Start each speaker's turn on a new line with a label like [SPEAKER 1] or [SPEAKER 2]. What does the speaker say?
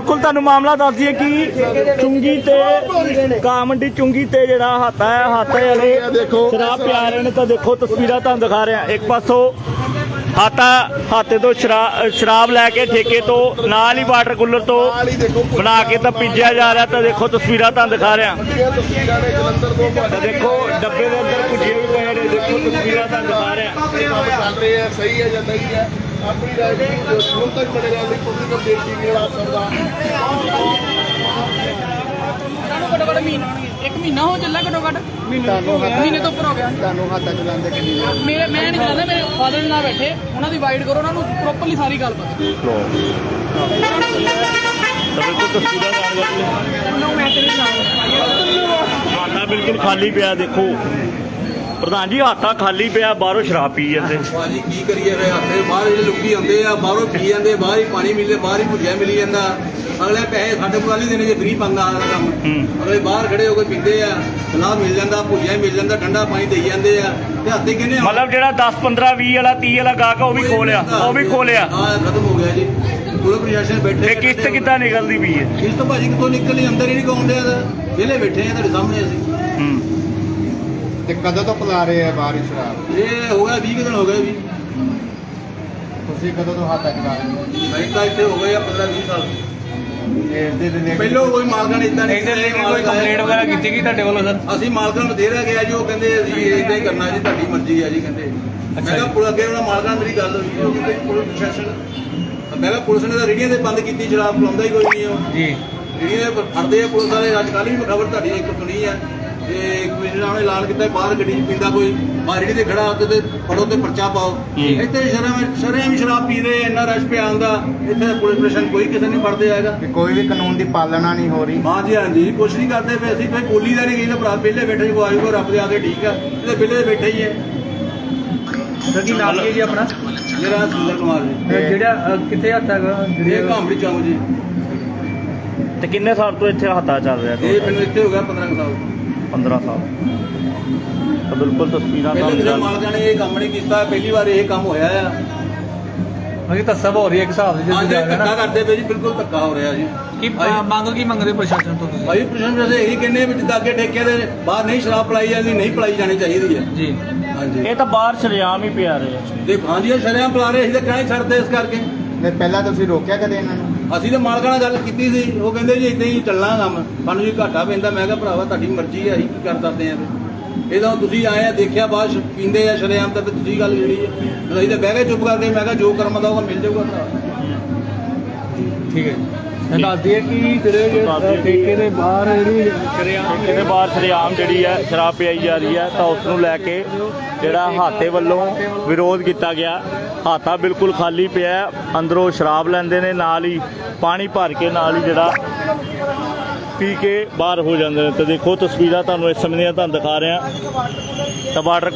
[SPEAKER 1] बिल्कुल तुहानू मामला दस दिए कि चुंगी ते कामंडी चुंगी ते जिहड़ा हाथा है हाथे वाले शराब पिया रहे हैं। तो देखो तस्वीर तुहानू दिखा रहे हैं। एक पासों हाथे तो शराब लैके ठेके तो नाल ही वाटर कूलर तो बना के तो पीजिया जा रहा। तो देखो तस्वीर तुहानू दिखा रहे हैं। तो देखो डब्बे के अंदर भुजिए भी पे ने। देखो तस्वीर तुहानू दिखा रहे हैं।
[SPEAKER 2] सही है या नहीं है अपनी राय तक पड़ेगा
[SPEAKER 3] एक महीना हो चला घट्टो घट महीने तो उपर हो गया। मैं नहीं जानता मेरे फादर ना बैठे उन्होंने डिवाइड करो उन्होंने प्रॉपरली सारी गल
[SPEAKER 1] हाथा बिल्कुल खाली पिया। देखो प्रधान जी हाथा खाली पिया बाहरों शराब पी जाते।
[SPEAKER 4] भाजी की करिए हथे बाहर जो लुकी आते हैं बाहरों पी जाते बाहर ही पानी मिले बाहर ही भुजिया मिली जाता। अगले पैसे साढ़े को नहीं देने जो फ्री पाँगा काम अगले बाहर खड़े होकर पीते हैं सलाह मिल जाता भुजिया मिल जाता ठंडा पानी दे जाते हैं हाथे किन्ने
[SPEAKER 1] मतलब जो 10 15 20 वाला 30 वाला गाहक वो भी खोलिया
[SPEAKER 4] खत्म हो गया जी। पूरे प्रशासन बैठे
[SPEAKER 1] किस्त कितना निकलती पी है
[SPEAKER 4] किस्त भाजी कितों निकलनी अंदर ही नहीं कौन दिया वेले बैठे हैं तेरे सामने अभी
[SPEAKER 2] कदों तो पिला रहे हैं बाहर शराब
[SPEAKER 4] ये हो गया 20 दिन हो गए भी
[SPEAKER 2] कदों तो हाथ चला रहे
[SPEAKER 4] मैं तो इतने हो गए 15-20 साल ਪਹਿਲੋਂ ਕੋਈ ਮਾਲਕਾਂ ਨੇ ਇਦਾਂ ਨਹੀਂ
[SPEAKER 3] ਕੰਪਲੇਂਟ ਵਗੈਰਾ ਕੀਤੀ ਗਈ ਤੁਹਾਡੇ ਵੱਲੋਂ ਸਰ?
[SPEAKER 4] ਅਸੀਂ ਮਾਲਕਾਂ ਨੂੰ ਬਥੇਰਾ ਗਿਆ ਜੀ ਉਹ ਕਹਿੰਦੇ ਅਸੀਂ ਇਦਾਂ ਹੀ ਕਰਨਾ ਜੀ ਤੁਹਾਡੀ ਮਰਜ਼ੀ ਹੈ ਜੀ ਕਹਿੰਦੇ। ਮੈਂ ਕਿਹਾ ਪੁਲਿਸ ਅੱਗੇ ਉਹਨਾਂ ਮਾਲਕਾਂ ਨਾਲ ਮੇਰੀ ਗੱਲ ਹੋਈ ਉਹ ਕਹਿੰਦੇ ਪੁਲਿਸ ਪ੍ਰਸ਼ਾਸਨ ਮੈਂ ਕਿਹਾ ਪੁਲਿਸ ਨੇ ਤਾਂ ਰੇੜੀਆਂ ਤੇ ਬੰਦ ਕੀਤੀ ਸ਼ਰਾਬ ਪਿਲਾਉਂਦਾ ਹੀ ਕੋਈ ਨਹੀਂ ਉਹ ਜੀ ਰੇੜੀਆਂ ਦੇ ਫੜਦੇ ਆ ਪੁਲਿਸ ਵਾਲੇ। ਅੱਜ ਕੱਲ੍ਹ ਵੀ ਖਬਰ ਤੁਹਾਡੀ ਇੱਕ ਸੁਣੀ ਹੈ ਤੇ ਕਮਿਸ਼ਨਰਾਂ ਨੇ ਐਲਾਨ ਕੀਤਾ ਬਾਹਰ ਗੱਡੀ 'ਚ ਪੀਂਦਾ ਕੋਈ ਰੇੜੀ ਤੇ ਖੜਾ ਤੇ ਫੜੋ ਤੇ ਪਰਚਾ ਪਾਓ। ਇੱਥੇ ਸ਼ਰੇਆਮ ਸ਼ਰਾਬ ਪੀ ਰਹੇ ਇੰਨਾ ਰਸ਼ ਪਿਆ ਹੁੰਦਾ ਇੱਥੇ ਪੁਲਿਸ ਪ੍ਰਸ਼ਾਸਨ ਕੋਈ ਕਿਸੇ ਨਹੀਂ ਫੜਦੇ ਆਏਗਾ।
[SPEAKER 2] ਕੋਈ ਵੀ ਕਾਨੂੰਨ ਦੀ ਪਾਲਣਾ ਨਹੀਂ ਹੋ ਰਹੀ।
[SPEAKER 4] ਹਾਂਜੀ ਹਾਂਜੀ ਕੁਛ ਨਹੀਂ ਕਰਦੇ ਪਏ ਅਸੀਂ ਕੋਈ ਬੋਲੀ ਦਾ ਨਹੀਂ ਗਈ ਤਾਂ ਭਰਾ ਵਿਹਲੇ ਬੈਠੇ ਕੋ ਆਜੂਗਾ ਰੱਬ ਦੇ ਆਗੇ ਠੀਕ ਆ ਇਹਦੇ ਵਿਹਲੇ ਬੈਠੇ ਹੀ ਹੈ।
[SPEAKER 3] ਸਰ ਕੀ ਨਾਮ ਹੈ ਜੀ ਆਪਣਾ?
[SPEAKER 4] ਮੇਰਾ ਸੁੰਦਰ ਕੁਮਾਰ ਜੀ।
[SPEAKER 3] ਜਿਹੜਾ ਕਿੱਥੇ ਹੱਥ ਹੈਗਾ
[SPEAKER 4] ਇਹ ਘਾਮੜੀ ਚੌਂਕ ਜੀ।
[SPEAKER 1] ਤੇ ਕਿੰਨੇ ਸਾਲ ਤੋਂ ਇੱਥੇ ਹਾथा ਚੱਲ ਰਿਹਾ?
[SPEAKER 4] ਇਹ ਮੈਨੂੰ ਇੱਥੇ ਹੋ ਗਿਆ 15 ਸਾਲ
[SPEAKER 1] 15 ਸਾਲ। ਤਾਂ ਬਿਲਕੁਲ ਤਸਵੀਰਾਂ
[SPEAKER 4] ਪਹਿਲੇ ਕਿਸੇ ਮਾਲਕਾਂ ਨੇ ਇਹ ਕੰਮ ਨਹੀਂ ਕੀਤਾ ਪਹਿਲੀ ਵਾਰ ਇਹ ਕੰਮ ਹੋਇਆ ਆ।
[SPEAKER 3] ਅਗੇ ਤਾਂ ਸਭ ਹੋ ਰਹੀ ਹੈ ਇੱਕ ਹਿਸਾਬ ਦੇ
[SPEAKER 4] ਹਾਂਜੀ ਧੱਕਾ ਕਰਦੇ ਪਏ ਜੀ ਬਿਲਕੁਲ ਧੱਕਾ ਹੋ ਰਿਹਾ ਜੀ।
[SPEAKER 3] ਕੀ ਮੰਗ ਕੀ ਮੰਗਦੇ ਪ੍ਰਸ਼ਾਸਨ ਤੋਂ?
[SPEAKER 4] ਭਾਈ ਪ੍ਰਸ਼ਾਸਨ ਦੇ ਇਹੀ ਕਹਿੰਦੇ ਵੀ ਜਿੱਦਾਂ ਅੱਗੇ ਠੇਕੇ ਦੇ ਬਾਹਰ ਨਹੀਂ ਸ਼ਰਾਬ ਪਲਾਈ ਜਾਂਦੀ ਨਹੀਂ ਪਲਾਈ ਜਾਣੀ ਚਾਹੀਦੀ ਹੈ
[SPEAKER 3] ਜੀ।
[SPEAKER 4] ਹਾਂਜੀ
[SPEAKER 1] ਇਹ ਤਾਂ ਬਾਹਰ ਸ਼ਰੇਆਮ ਹੀ ਪਿਆ ਰਹੇ ਆ।
[SPEAKER 4] ਤੇ ਹਾਂਜੀ ਸ਼ਰੇਆਮ ਪਲਾ ਰਹੇ ਅਸੀਂ ਤਾਂ ਕਹਿ ਛੱਡਦੇ ਇਸ ਕਰਕੇ।
[SPEAKER 2] ਪਹਿਲਾਂ ਤੁਸੀਂ ਰੋਕਿਆ ਕਦੇ ਇਹਨਾਂ ਨੂੰ?
[SPEAKER 4] ਅਸੀਂ ਤਾਂ ਮਾਲਕਾਂ ਨਾਲ ਗੱਲ ਕੀਤੀ ਸੀ ਉਹ ਕਹਿੰਦੇ ਜੀ ਇਦਾਂ ਹੀ ਚੱਲਣਾ ਕੰਮ ਸਾਨੂੰ ਜੀ ਘਾਟਾ ਪੈਂਦਾ। ਮੈਂ ਕਿਹਾ ਭਰਾਵਾ ਤੁਹਾਡੀ ਮਰਜ਼ੀ ਹੈ ਅਸੀਂ ਕੀ ਕਰ ਸਕਦੇ ਆ ਇਹਦਾ ਤੁਸੀਂ ਆਏ ਆ ਦੇਖਿਆ ਬਾਅਦ ਪੀਂਦੇ ਆ ਸ਼ਰੇਆਮ ਤਾਂ ਤੁਸੀਂ ਗੱਲ ਜਿਹੜੀ ਹੈ ਅਸੀਂ ਤਾਂ ਬਹਿ ਕੇ ਚੁੱਪ ਕਰਦੇ। ਮੈਂ ਕਿਹਾ ਜੋ ਕਰਮ ਦਾ ਉਹ ਮਿਲ ਜਾਊਗਾ ਭਰਾ।
[SPEAKER 3] ਠੀਕ ਹੈ ਮੈਂ ਦੱਸ ਦਈਏ ਕਿ ਜਿਹੜੇ ਠੇਕੇ ਦੇ ਬਾਹਰ
[SPEAKER 1] ਸ਼ਰੇਆਮ ਜਿਹੜੀ ਹੈ ਸ਼ਰਾਬ ਪਿਆਈ ਜਾ ਰਹੀ ਹੈ ਤਾਂ ਉਸ ਨੂੰ ਲੈ ਕੇ ਜਿਹੜਾ ਹਾਥੇ ਵੱਲੋਂ ਵਿਰੋਧ ਕੀਤਾ ਗਿਆ। ਹਾथा ਬਿਲਕੁਲ ਖਾਲੀ ਪਿਆ ਅੰਦਰੋਂ ਸ਼ਰਾਬ ਲੈਂਦੇ ਨੇ ਨਾਲ ਹੀ ਪਾਣੀ ਭਰ ਕੇ ਨਾਲ ਹੀ ਜਿਹੜਾ ਪੀ ਕੇ ਬਾਹਰ ਹੋ ਜਾਂਦੇ ਨੇ। ਤੇ ਦੇਖੋ ਤਸਵੀਰਾਂ ਤੁਹਾਨੂੰ ਇਸ ਸਮੇਂ ਦੀਆਂ ਤੁਹਾਨੂੰ ਦਿਖਾ ਰਿਹਾ ਤਾਂ ਵਾਟਰ